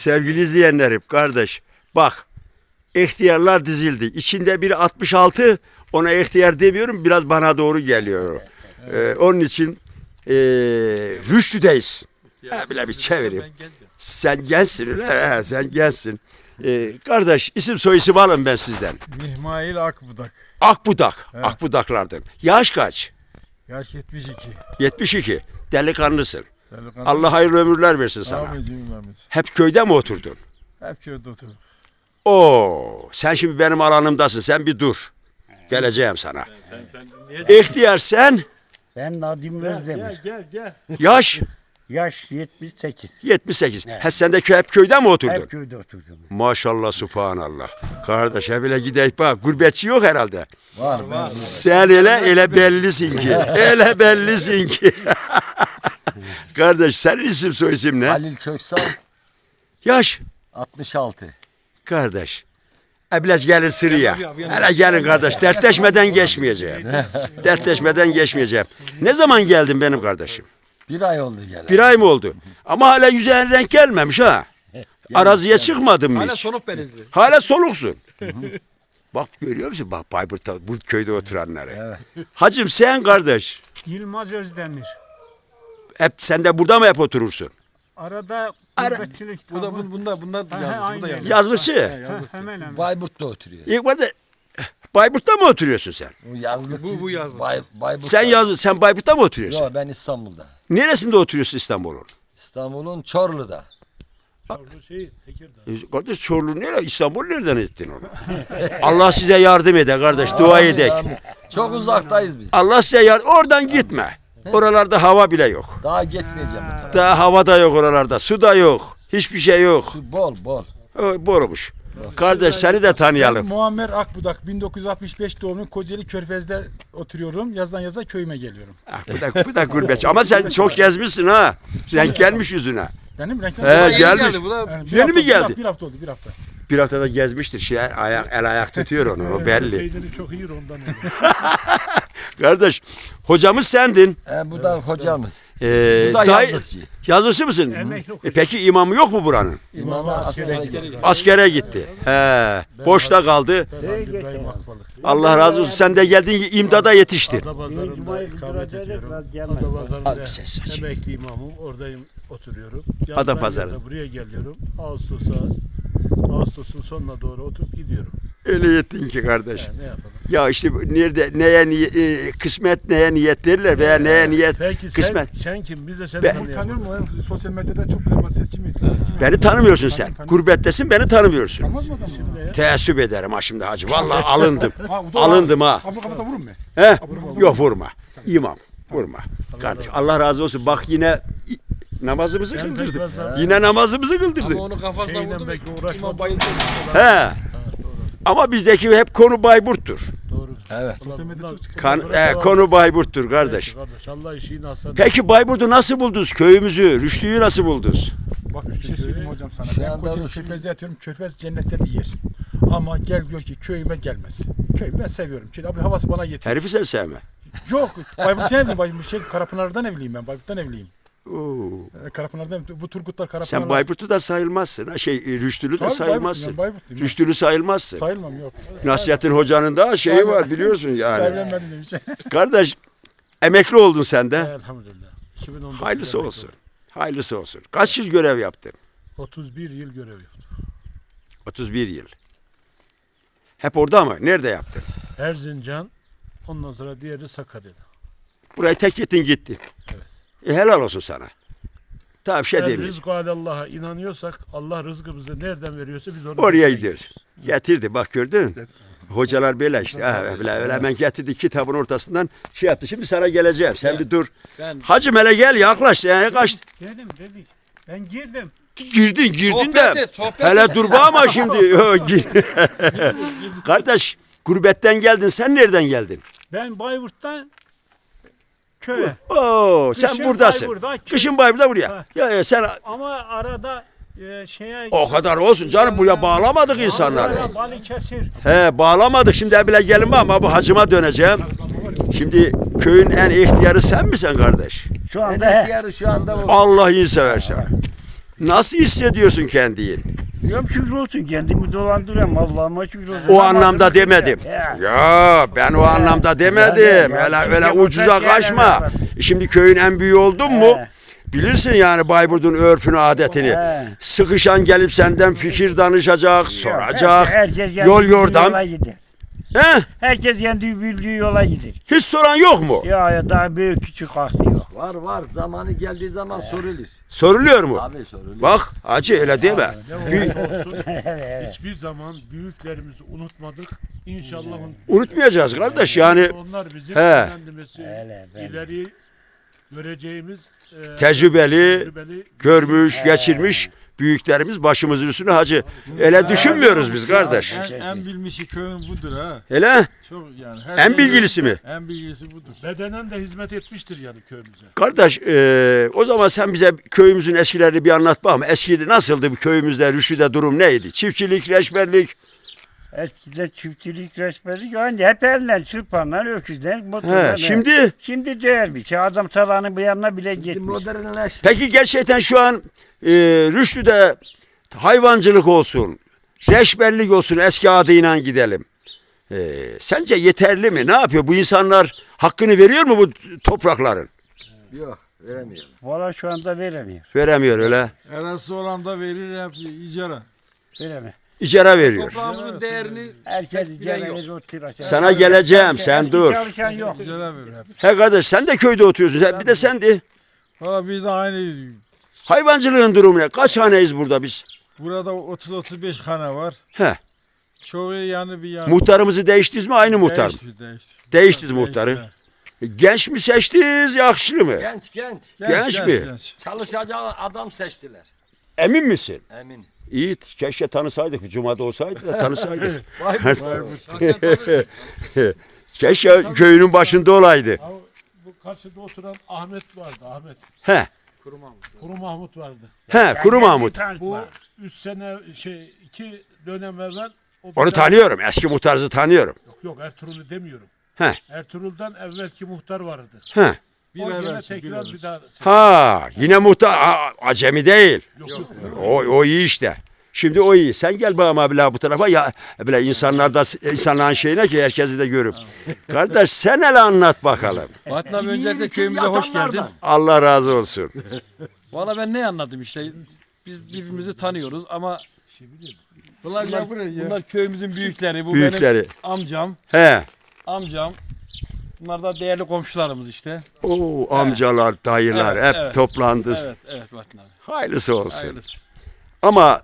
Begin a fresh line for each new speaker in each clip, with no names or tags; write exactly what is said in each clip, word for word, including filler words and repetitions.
Sevgili izleyenlerim, kardeş bak, ihtiyarlar dizildi. İçinde biri altmış altı, ona ihtiyar demiyorum, biraz bana doğru geliyor. Ee, onun için ee, Rüştü'deyiz. Ha, bile bir çevireyim. Sen gençsin öyle, he, sen gençsin. Ee, kardeş isim soy isim alın ben sizden.
Mihmail Akbudak.
Akbudak,
Evet.
Akbudaklardan. Yaş kaç?
Yaş yetmiş iki.
yetmiş iki. Delikanlısın.
Delikanlı.
Allah hayırlı ömürler versin sana.
Amin cümlemiz.
Hep köyde mi oturdun?
Hep köyde oturduk.
Oo, sen şimdi benim alanımdasın. Sen bir dur. Geleceğim sana. İhtiyar sen,
Ben Nadim Özdemir.
Gel gel.
yaş
Yaş yetmiş sekiz.
yetmiş sekiz. Hep sen de kö- hep köyde mi oturdun?
Hep köyde oturdum.
Maşallah, subhanallah. Kardeş he bile gideyim bak. Gurbetçi yok herhalde.
Var var.
Sen ele ele bellisin ki. Ele bellisin ki. Kardeş senin isim soy isim ne?
Halil Köksal
Yaş.
altmış altı.
Kardeş. Eblez gelin sıraya. Hele gelin kardeş. Dertleşmeden geçmeyeceğim. Dertleşmeden geçmeyeceğim. Ne zaman geldin benim kardeşim?
Bir ay oldu gelen.
Bir ay mı oldu? Ama hala yüzeyine renk gelmemiş ha. Araziye çıkmadın mı
Hala
hiç?
soluk benizli.
Hala soluksun. Bak görüyor musun? Bak Bayburt'ta, bu köyde oturanları.
Evet.
Hacım sen kardeş.
Yılmaz Özdemir.
Hep sen de burada mı hep oturursun?
Arada
Ara-
gurbetçilik
Bu da
tabii.
bu- bunlar bunlar
Ha,
yazlısı. Bu da
aynen.
yazlısı.
Yazlıkçı.
Ha, hemen hemen.
Bayburt'ta oturuyor.
İlk başta Bayburt'ta mı oturuyorsun sen?
Bu yazlık.
Bu- bu yazlık.
Bay, Bayburt'ta.
Sen yazlı, sen Bayburt'ta mı oturuyorsun?
Yok, ben İstanbul'da.
Neresinde oturuyorsun İstanbul'un?
İstanbul'un Çorlu'da.
Şey, Tekirdağ.
E, Kardeş Çorlu nere? İstanbul nereden ettin onu? Allah size yardım ede kardeş, dua
Amin,
edek.
amin. Çok uzaktayız biz.
Allah size yardım, oradan gitme. Oralarda hava bile yok.
Daha gitmeyeceğim bu tarafa.
Daha hava da yok oralarda, su da yok. Hiçbir şey yok.
Su bol bol.
O, Borumuş. Kardeş seni de
Ben
tanıyalım.
Muammer Akbudak. bin dokuz yüz altmış beş doğumlu, Kocaeli Körfez'de oturuyorum. Yazdan yaza köyüme geliyorum.
Ah, bu da, bu da gurbetçi. Ama sen çok gezmişsin ha. Renk gelmiş yüzüne.
Benim renkli.
He,
Yeni
gelmiş.
geldi, bu da
Yani bir
Yeni
hafta
mi
oldu,
geldi?
Bir hafta oldu, bir hafta.
Bir haftada gezmiştir. Şey, ayak, el ayak tutuyor onu. O belli.
Peyniri çok iyi ondan.
Kardeş hocamız sendin.
He, bu da hocamız.
Ee,
Bu da
dayı-
yazlıkçı.
Yazlısı mısın?
Emekli
E, peki imamı yok mu buranın?
İmamı askere gidiyor.
Askere gitti. He, boşta kaldı.
İbrahim Akbalık.
Allah razı olsun. Sen de geldin imdada yetiştin.
Adapazarı'nda ikamet ediyorum.
Az bir
Adapazarı'nda
ses aç.
emekli imamım. Oradayım, oturuyorum.
Adapazarı.
Yazdan yaza buraya geliyorum. Ağustos'a, Ağustos'un sonuna doğru oturup gidiyorum.
Öyle yettin ki kardeş.
Yani ne yapalım?
Ya işte bu nerede neye niye- e, kısmet neye niyet derler veya neye niyet
Peki
kısmet.
sen, sen kim? Biz de seni
Ben-
tanıyalım.
Tanıyor musun? Sosyal medyada çok böyle sesçi miyiz?
Beni tanımıyorsun sen. Gurbettesin beni tanımıyorsun.
Tanımaz mı adam? bunu?
Teessüp ederim ha şimdi hacı. Vallahi alındım.
Ha, bu da-
Alındım ha.
Abi kafasına vurun mu?
He? Yok vurma. İmam vurma. Kardeş Allah razı olsun. Bak yine i- namazımızı
Ben
kıldırdı.
biraz daha-
Yine namazımızı
ama
kıldırdı.
onu kafasına
Şeyden
vurdu.
belki uğraşmadım.
İmam bayıldı.
He. Ama bizdeki hep konu Bayburt'tur.
Doğru.
Evet.
Sosyal medyada çok çıkıyor.
Kan, e, konu Bayburt'tur kardeş.
Kardeş Allah işini alsın.
Peki Bayburt'u nasıl buldunuz? Köyümüzü, Rüştü'yü nasıl buldunuz?
Bak bir şey söyleyeyim hocam sana.
Şu
Ben
anda
Kocaeli
Rus-
Körfez'de yatıyorum. Körfez cennetten bir yer. Ama gel gör ki köyüme gelmez. Köyümü ben seviyorum. Çünkü abi havası bana yetiyor.
Herifi sen sevme.
Yok. Bayburt'tan evliyim. Bayburt, şey, Karapınar'dan evliyim ben. Bayburt'tan evliyim.
Oo.
Ee, Karapınar'dan bu Turgutlar Karapınar'dan.
Sen Bayburt'u da sayılmazsın. Ha, şey, Rüştülü de
Tabii
sayılmazsın.
Bayburtluyum, Bayburtluyum.
Rüştülü sayılmazsın.
Sayılmam yok.
Nasihattin Hoca'nın da şeyi var biliyorsun yani.
Evlenmedim demiş.
Kardeş emekli oldun sen de.
Elhamdülillah. iki bin on dokuz
Hayırlısı
emekli
olsun. Hayırlısı olsun. Kaç yıl görev yaptın?
oldum. otuz bir yıl görev yaptım.
otuz bir yıl. Hep orada mı? Nerede yaptın?
Erzincan, ondan sonra diğeri Sakarya'da.
Burayı tek gittin gittin.
Evet.
E, helal olsun sana. Tamam bir şey
Eğer
demeyeyim.
rızkı Allah'a inanıyorsak Allah rızkımızı nereden veriyorsa biz oraya
Oraya gidiyoruz. Getirdi bak gördün. Hocalar böyle işte. Ha, öyle, öyle hemen getirdi kitabın ortasından şey yaptı. Şimdi sana geleceğim. Sen bir dur.
Ben-
Hacım hele gel yaklaş. Yani kaç.
Dedim dedim. Ben girdim.
Girdin girdin
Sohbet
de.
et, sohbet
hele
et.
dur ama şimdi. Yo, gir. Kardeş gurbetten geldin. Sen nereden geldin?
Ben Bayburt'tan köye.
Oo, sen
Kışın
buradasın.
Bayburt'ta, köy-
Kışın Bayburt'ta buraya.
Ha.
Ya, ya sen
Ama arada e, şeye...
o kadar olsun canım buraya bağlamadık insanları.
Arada Balıkesir.
He bağlamadık şimdi bile gelin ama bu hacıma döneceğim. Şimdi köyün en ihtiyarı sen misin kardeş?
Şu anda ihtiyarı şu anda o.
Allah'ını seversen. Nasıl hissediyorsun kendini?
Yok şükür olsun kendimi dolandırıyorum Allah'ıma şükür olsun.
O anlamda demedim.
Ya.
Ya ben o anlamda demedim. Öyle öyle ucuza kaçma. Şimdi köyün en büyüğü oldun mu?
He.
Bilirsin yani Bayburt'un örfünü, adetini.
He.
Sıkışan gelip senden fikir danışacak, soracak.
Herkes kendi
Yol
bildiği
yordam.
yola gider.
He?
Herkes kendi bildiği yola gider.
Hiç soran yok mu?
Ya ya daha büyük küçük kalktı yok.
Var var zamanı geldiği zaman sorulur.
Soruluyor mu?
Abi sorulur.
Bak hacı öyle deme. Büyük-
olsun. Hiçbir zaman büyüklerimizi unutmadık. İnşallah un-
unutmayacağız kardeş yani
onlar bizim
He.
efendimesi
Öyle, öyle.
ileri göreceğimiz e,
tecrübeli,
tecrübeli
görmüş, geçirmiş büyüklerimiz başımızın üstüne hacı. Öyle düşünmüyoruz biz kardeş.
En, en bilmişi köyün budur ha.
Hele
Çok yani. her
en
köyün
bilgilisi mi?
En bilgilisi budur.
bedenen de hizmet etmiştir yani köyümüze.
Kardeş e, o zaman sen bize köyümüzün eskilerini bir anlat bakalım. Eskide nasıldı bu köyümüzde, Rüştü'de durum neydi? Çiftçilik, reçberlik.
Eskiden çiftçilik resmleri yani hep eller, çırpanlar, öküzler, motorlar.
He, şimdi
Şimdi değermiş. Adam salanın bir yanına bile
Şimdi
gitmiş.
modernleşti.
peki gerçekten şu an e, Rüştü'de hayvancılık olsun, reçberlik olsun eski adıyla gidelim. E, sence yeterli mi? Ne yapıyor? Bu insanlar hakkını veriyor mu bu toprakların?
Yok veremiyorum.
Valla şu anda veremiyor.
Veremiyor öyle.
Arası olan da verir hep icara.
Veremiyor.
İcara veriyor.
Toprağımızın değerini
Herkes
bilen yok.
icra otur aşağı.
Sana geleceğim, sen
Eski
dur.
Çalışan yok.
icara verir hep.
He kardeş sen de köyde oturuyorsun. Sen, bir de sen de.
Valla biz de aynı.
Hayvancılığın durumu ne? Kaç haneyiz burada biz?
Burada otuz otuz beş hane var.
He.
Çoğu yani bir yani.
Muhtarımızı değiştiniz mi? Aynı muhtar mı?
Değişti, değişti.
Değiştiniz muhtarı. Genç mi seçtiniz, yaşlı mı?
Genç genç.
Genç mi?
Çalışacak adam seçtiler.
Emin misin?
Emin.
İyi, keşke tanısaydık. Bir cumada olsaydı da tanısaydık.
Vay
Keşke köyünün başında olaydı.
Ama bu karşıda oturan Ahmet vardı. Ahmet.
He,
Kuru Mahmut vardı.
he, Kuru Mahmut.
Bu üç sene şey iki dönem evvel o bir
Onu
daha-
tanıyorum, eski muhtarızı tanıyorum.
Yok yok Ertuğrul'u demiyorum.
He.
Ertuğrul'dan evvelki muhtar vardı.
He.
Bir
o gene
evvelki, bir
tekrar
evvelki.
bir daha.
Ha, yine muhtar, a- acemi değil.
Yok yok.
O, o iyi işte. Şimdi o iyi. Sen gel bakalım abi la bu tarafa ya bile insanlar da insanların şeyine ki herkesi de görüp. Kardeş sen hele anlat bakalım.
Bahattin abi
Biz
öncelikle
yiğit
köyümüze hoş geldin.
yatanlardan.
Allah razı olsun.
Valla ben ne anladım işte. Biz birbirimizi tanıyoruz ama
Ulan ya buraya.
bunlar köyümüzün büyükleri. Bu
Büyükleri.
benim amcam.
He.
Amcam. Bunlar da değerli komşularımız işte.
O amcalar, dayılar
Evet,
hep
evet.
toplandınız.
Evet, evet Bahattin abi.
Hayırlısı olsun.
Hayırlısı.
Ama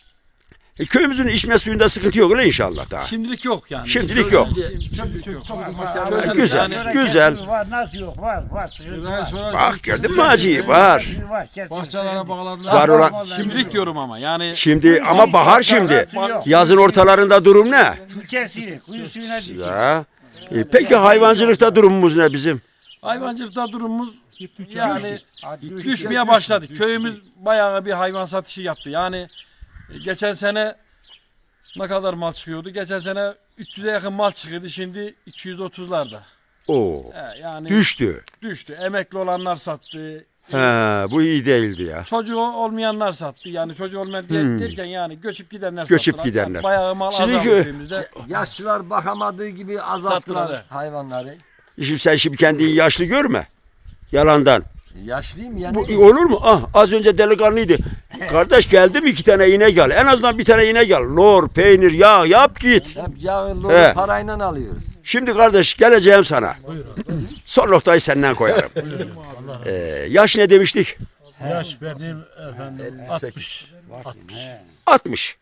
e, köyümüzün içme suyunda sıkıntı yok öyle inşallah daha.
Şimdilik yok yani.
Şimdilik yok.
Şimdilik yok.
Ha, güzel,
Yani-
güzel.
Var nasıl yok var var. Sıkıntı var.
sonra
Bak gördün mü hacıyı? Var.
Var, kesin.
bahçelere bağladılar.
Var olan.
Şimdilik diyorum ama yani
Şimdi ama bahar şimdi.
Yok.
Yazın ortalarında durum ne?
Su kesiyor. Kuyu suyuna düşüyor.
Ya. E, peki hayvancılıkta durumumuz ne bizim?
hayvancılıkta durumumuz yani
Hadi
düşmeye başladı. Köyümüz bayağı bir hayvan satışı yaptı. Yani e, geçen sene ne kadar mal çıkıyordu? Geçen sene üç yüze yakın mal çıkıyordu. Şimdi iki yüz otuzlarda.
Oo.
He, yani
Düştü.
düştü. Emekli olanlar sattı.
He, bu iyi değildi ya.
Çocuğu olmayanlar sattı. Yani çocuğu olmayan der- derken yani göçüp gidenler
Göçüp
sattılar.
gidenler.
Bayağı mal
Şimdi
azaldı
kö-
köyümüzde.
Yaşlılar bakamadığı gibi azalttılar
Sattılar, he.
hayvanları.
Şimdi sen şimdi kendini yaşlı görme. Yalandan.
Yaşlıyım yani.
Bu olur mu? Ah az önce delikanlıydı. Kardeş geldi mi iki tane inek al. En azından bir tane inek al. Lor, peynir, yağ yap git.
Hep yağı
He.
lor parayla alıyoruz.
Şimdi kardeş geleceğim sana. Son noktayı senden koyarım. Ee, yaş ne demiştik?
Yaş benim efendim
elli sekiz.
altmış.
altmış.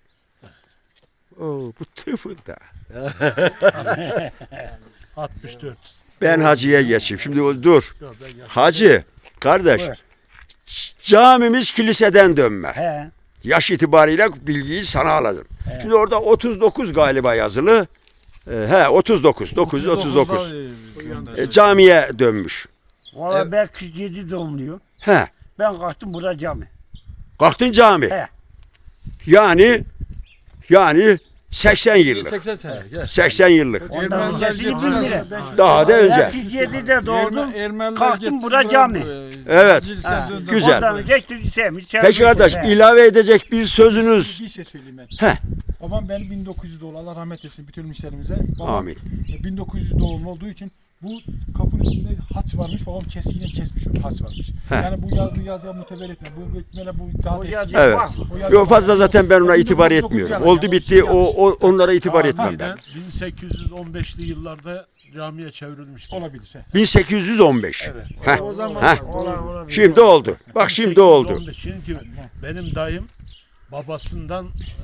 Oo, bu tıfılda.
altmış dört.
Ben hacıya geçeyim. Şimdi o- dur.
Yok, ben yaş-
Hacı, kardeş.
Buyur.
ç- Camimiz kiliseden dönme.
He.
Yaş itibariyle bilgiyi sana alacağım. Şimdi orada otuz dokuz galiba yazılı. Ee, he otuz dokuz. dokuz yüz otuz dokuz. E, camiye dönmüş.
Valla ben kırk yedi doğumluyum.
He.
Ben kalktım burada cami.
Kalktın cami.
He.
Yani yani seksen yıllık.
seksen senelik. he.
seksen yıllık.
Ermeniler
Öncesini
getirdiler.
bilmiyorum.
Daha da
Ben
önce.
kırk yedide doğdum.
Erme- Ermeniler
Kalktım
getirdiler
bura cami.
buraya.
Evet.
Cilikten döndüm.
Güzel.
Ondan geçti sevmiş.
Peki kardeş ilave edecek bir sözünüz.
Bir şey söyleyeyim ben.
Heh.
Babam benim bin dokuz yüz doğumlu. Allah rahmet etsin bütün müşterimize. Babam
Amin.
e, bin dokuz yüz doğumlu olduğu için bu kapının üstünde haç varmış. Babam kesiğine kesmiş onu. Haç varmış.
Heh.
Yani bu yazı yazıya muteber etme. Bu böyle bu daha da eski.
Evet.
O yazı
Yok fazla
var.
zaten ben ona itibar
bin dokuz yüz dokuz
etmiyorum.
yani.
Oldu
Yani
bitti
şey
o,
yanlış.
o onlara itibar etmem ben.
Tahminen bin sekiz yüz on beşli yıllarda camiye çevrilmiş.
Olabilir. He.
bin sekiz yüz on beş.
Evet.
Heh.
O zaman
Heh.
doğru.
Şimdi oldu. Bak şimdi oldu.
Çünkü benim dayım babasından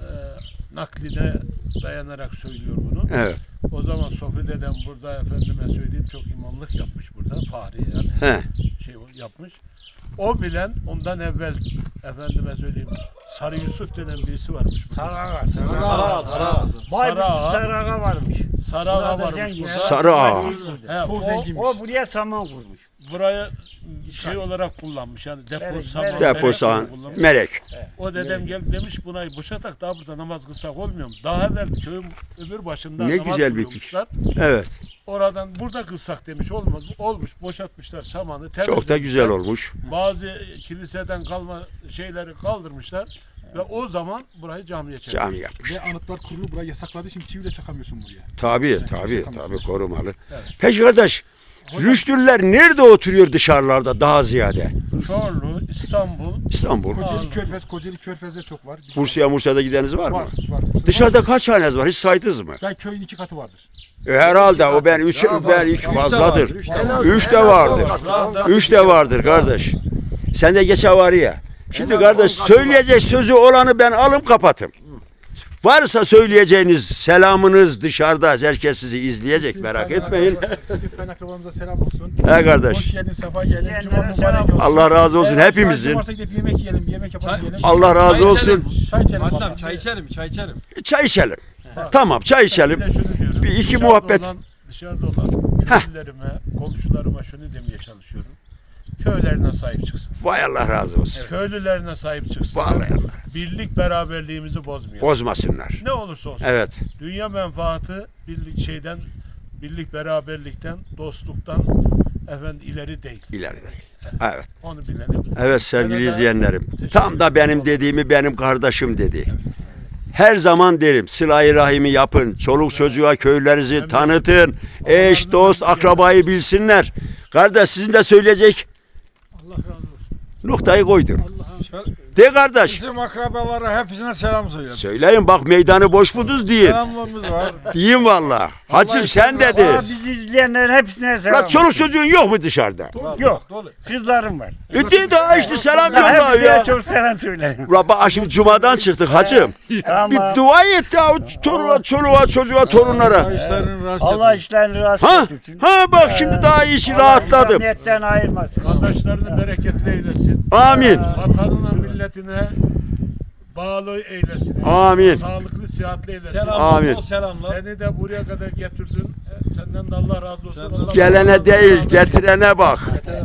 e, nakline dayanarak söylüyor bunu.
Evet.
O zaman Sofi dedem burada efendime söyleyeyim çok imamlık yapmış burada. Fahri yani
He.
şey yapmış. O bilen ondan evvel efendime söyleyeyim Sarı Yusuf denen birisi varmış burada.
Sarağa,
Sarağa, Sarağa.
Bayburt
Sarağa.
Sarağa varmış.
Sarı Ağa
Burada
varmış
zengin.
burada.
Sarı Ağa.
He,
Çok
o,
zenginmiş.
O buraya saman kurmuş.
buraya şey olarak kullanmış yani depo
Evet,
saman.
evet.
Depo
melek
sahan.
olarak kullanmış.
Melek.
O dedem gelip demiş buna boşatak daha burada namaz kılsak olmuyor mu? Daha evvel köyün öbür başında
Ne
namaz
güzel bir
kılıyormuşlar.
Evet.
Oradan burada kılsak demiş olmaz. Olmuş boşaltmışlar samanı.
Çok da
temizlemişler.
güzel olmuş.
Bazı kiliseden kalma şeyleri kaldırmışlar. Ve o zaman burayı camiye çevirmişler.
Cami yapmış.
Ve Anıtlar Kurulu burayı yasakladı. Şimdi çiviyle çakamıyorsun buraya.
Tabii
çok
tabii
sakamız
tabii
var.
korumalı. Peki kardeş Rüştüller nerede oturuyor dışarılarda daha ziyade?
Çorlu, İstanbul,
İstanbul.
Kocaeli Körfez, Kocaeli Körfez'de çok var. Biz-
Bursa'ya Mursa'da gideniz var mı?
Var, var.
Dışarıda kaç haneniz var? Hiç saydınız mı?
Ben köyün iki katı vardır.
E, herhalde o ben üç ben iki fazladır.
En az-
Üç de
en az
vardır.
on kat.
Üç de vardır kardeş. Sen de geçe var ya. Şimdi kardeş söyleyecek sözü olanı ben alım kapatım. Varsa söyleyeceğiniz selamınız dışarıda. Herkes sizi izleyecek merak etmeyin.
Bütün kaynaklarımıza selam olsun.
He kardeş.
Hoş geldin, sefa geldin.
Yiyenlere
Cuma mübarek
selam
olsun.
Allah razı olsun
Eğer
hepimizin.
müsaitim varsa gidip yemek yiyelim, yemek yapalım yiyelim.
Allah razı olsun.
Çay içelim.
Hatta
bakalım.
çay içelim, çay içelim.
Çay içelim. Tamam çay içelim.
Bir de şunu diyorum.
Bir iki
dışarıda
muhabbet.
Olan, dışarıda olan köylülerime, komşularıma şunu demeye çalışıyorum. Köylerine sahip çıksın.
Vay Allah razı olsun.
Köylülerine sahip çıksın.
Vallahi Allah.
Birlik beraberliğimizi bozmayalım.
Bozmasınlar.
Ne olursa olsun.
Evet.
Dünya menfaati birlik şeyden, birlik beraberlikten, dostluktan efendim ileri değil.
İleri değil. Evet.
Onu bilelim.
Evet sevgili
Sana da
izleyenlerim.
teşekkür
Tam da benim dediğimi benim kardeşim dedi. Her zaman derim sıla-i rahimi yapın. Çoluk çocuğa köylerinizi tanıtın. Eş, dost, akrabayı bilsinler. Kardeş sizin de söyleyecek
Allah razı olsun.
noktayı koydun. De kardeş.
Bizim akrabalara hepsine selam söylüyorum.
Söyleyin bak meydanı boş buldunuz deyin.
Selamlığımız var.
Deyin valla. Hacım sen de de.
Aa, bizi izleyenlerin hepsine selam.
La çoluk çocuğun yok mu dışarıda?
Yok. Kızlarım var.
Üddin daha işte selam
Ya
yolla
hepsine
ya.
çok selam söylerim.
Ulan bak şimdi cumadan çıktık hacım.
Tamam.
Bir dua et ya toruna, çoluğa, çocuğa, torunlara.
İşlerin rast
Allah
getirsin.
işlerini rast
Ha?
getirsin.
Ha bak şimdi daha iyi işi rahatladım.
Niyetten ayırmasın.
Kazançlarını bereketli eylesin.
Amin.
Vatanına, milletine bağlı eylesin.
Amin.
Sağlıklı, sıhhatli eylesin.
Selamlar,
Amin.
bol selamlar.
Seni de buraya kadar getirdin. Senden de Allah razı olsun. Allah
Gelene değil getirene bak.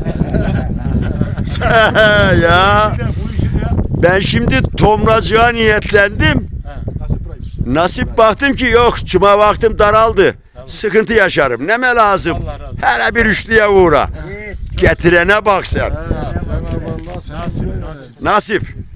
Ya
Bir de bu işi de
ben şimdi tomracığa niyetlendim.
Nasıl buraymış?
Nasip baktım ki yok cuma vaktim daraldı. Sıkıntı yaşarım. Neme lazım?
Allah razı olsun.
Hele bir üçlüye uğra. Getirene bak sen.
Cenab-ı Allah seni
nasip nasip.
Nasip.